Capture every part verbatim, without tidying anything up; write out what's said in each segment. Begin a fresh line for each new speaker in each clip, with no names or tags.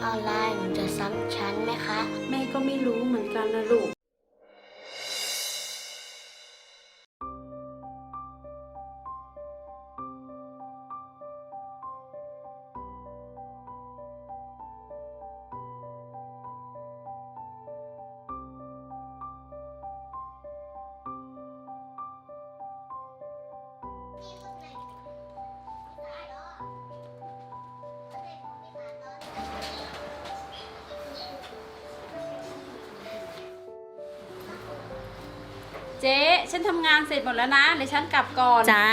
ออนไลน์หนูจะซ้ำชั้นไหมคะ
แม่ก็ไม่รู้เหมือนกันนะลูกเจ๊ฉันทำงานเสร็จหมดแล้วนะเดี๋ยวฉันกลับก่อน
จ้า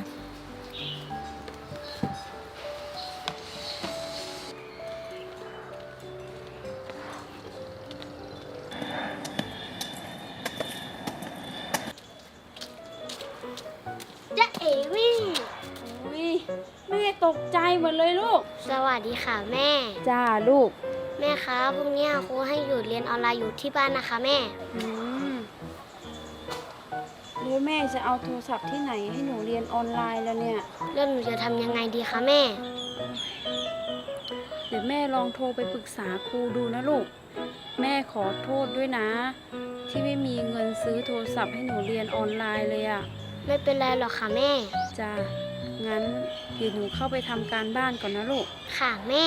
จ๊ะเอ๋วิ่ง
อุ้ยแม่ตกใจหมดเลยลูก
สวัสดีค่ะแม่
จ้าลูก
แม่คะพรุ่งนี้ครูให้หยุดเรียนออนไลน์อยู่ที่บ้านนะคะแม่
อืมแล้วแม่จะเอาโทรศัพท์ที่ไหนให้หนูเรียนออนไลน์แล้วเนี่ย
แล้วหนูจะทำยังไงดีคะแม่
เดี๋ยวแม่ลองโทรไปปรึกษาครูดูนะลูกแม่ขอโทษด้วยนะที่ไม่มีเงินซื้อโทรศัพท์ให้หนูเรียนออนไลน์เลยอะ
ไม่เป็นไรหรอกค่ะแม่
จ้างั้นเดี๋ยวหนูเข้าไปทำการบ้านก่อนนะลูก
ค่ะแม่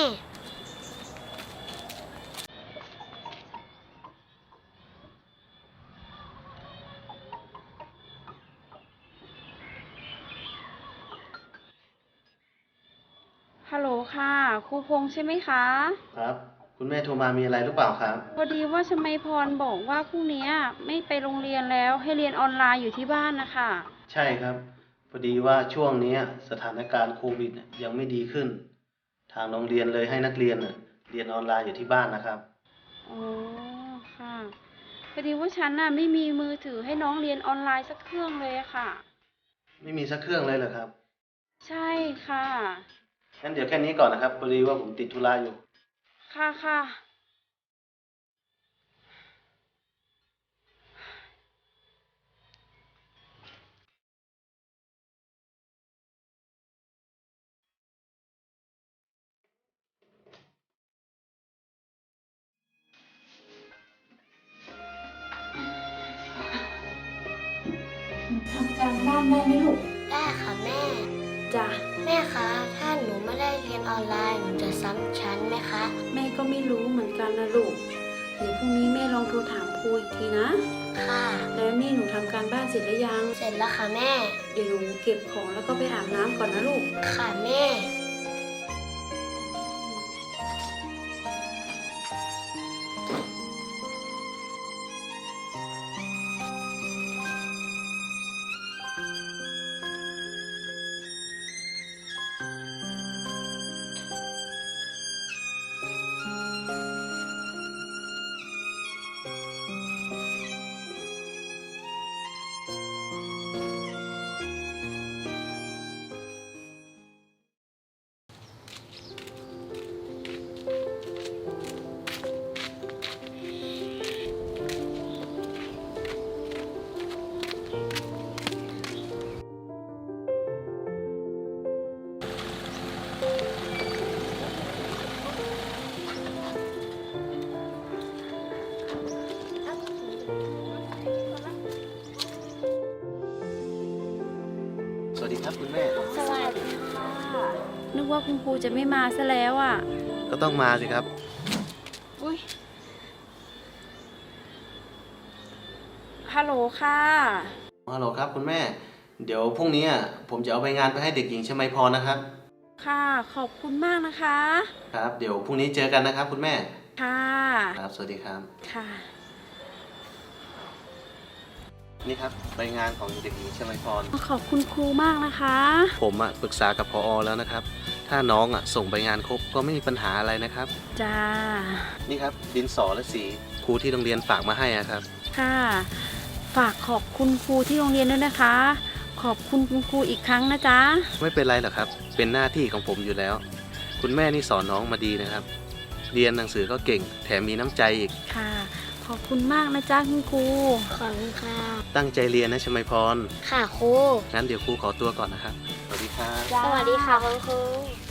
ฮัลโหลค่ะครูพงษ์ใช่ไหมคะ
ครับคุณแม่โทรมามีอะไรหรือเปล่าครับ
พอดีว่าชมัยพรบอกว่าพรุ่งนี้ไม่ไปโรงเรียนแล้วให้เรียนออนไลน์อยู่ที่บ้านนะคะ
ใช่ครับพอดีว่าช่วงนี้สถานการณ์โควิดยังไม่ดีขึ้นทางโรงเรียนเลยให้นักเรียนเรียนออนไลน์อยู่ที่บ้านนะครับ
อ๋อค่ะพอดีว่าฉันน่ะไม่มีมือถือให้น้องเรียนออนไลน์สักเครื่องเลยค่ะ
ไม่มีสักเครื่องเลยเหรอครับ
ใช่ค่ะ
งั้นเดี๋ยวแค่นี้ก่อนนะครับพอดีว่าผมติดธุระอยู่
ค่ะค่ะทำการบ้านได้ไหมลูก
ได้ค่ะแม่
จ้ะ
แม่คะถ้าหนูไม่ได้เรียนออนไลน์หนูจะซ้ำชั้นไหมคะ
แม่ก็ไม่รู้เหมือนกันนะลูกเดี๋ยวพรุ่งนี้แม่ลองโทรถามครูอีกทีนะ
ค่ะ
แล้วนี่หนูทำการบ้านเสร็จหรือยัง
เสร็จแล้วค่ะแม่
เดี๋ยวหนูเก็บของแล้วก็ไปอาบน้ำก่อนนะลูก
ค่ะแม่
สวัสดีครับคุณแม่
สวัสดีค่ะ
นึกว่าคุณครูจะไม่มาซะแล้วอ่ะ
ก็ต้องมาสิครับ
อุ้ยฮัลโหลค่ะ
ฮัลโหลครับคุณแม่เดี๋ยวพรุ่งนี้ผมจะเอาใบงานไปให้เด็กหญิงชมัยพรนะครับ
ค่ะขอบคุณมากนะคะ
ครับเดี๋ยวพรุ่งนี้เจอกันนะครับคุณแม่
ค่ะ
ครับสวัสดีครับ
ค่ะ
นี่ครับใบงานของเด็กหญิงชมัยพร
ขอบคุณครูมากนะคะ
ผมอ่ะปรึกษากับผอ.แล้วนะครับถ้าน้องอ่ะส่งใบงานครบก็ไม่มีปัญหาอะไรนะครับ
จ้า
นี่ครับดินสอและสีครูที่โรงเรียนฝากมาให้ครับ
ค่ะฝากขอบคุณครูที่โรงเรียนด้วยนะคะขอบคุณคุณครูอีกครั้งนะจ๊ะ
ไม่เป็นไรหรอกครับเป็นหน้าที่ของผมอยู่แล้วคุณแม่นี่สอนน้องมาดีนะครับเรียนหนังสือก็เก่งแถมมีน้ำใจอีก
ค่ะขอบคุณมากนะจ๊ะคุณครู
ขอบคุณค่ะ
ตั้งใจเรียนนะชมัยพร
ค่ะครู
งั้นเดี๋ยวครูขอตัวก่อนนะครับสวัสดีครับ
สวัสดีค่ะคุณครู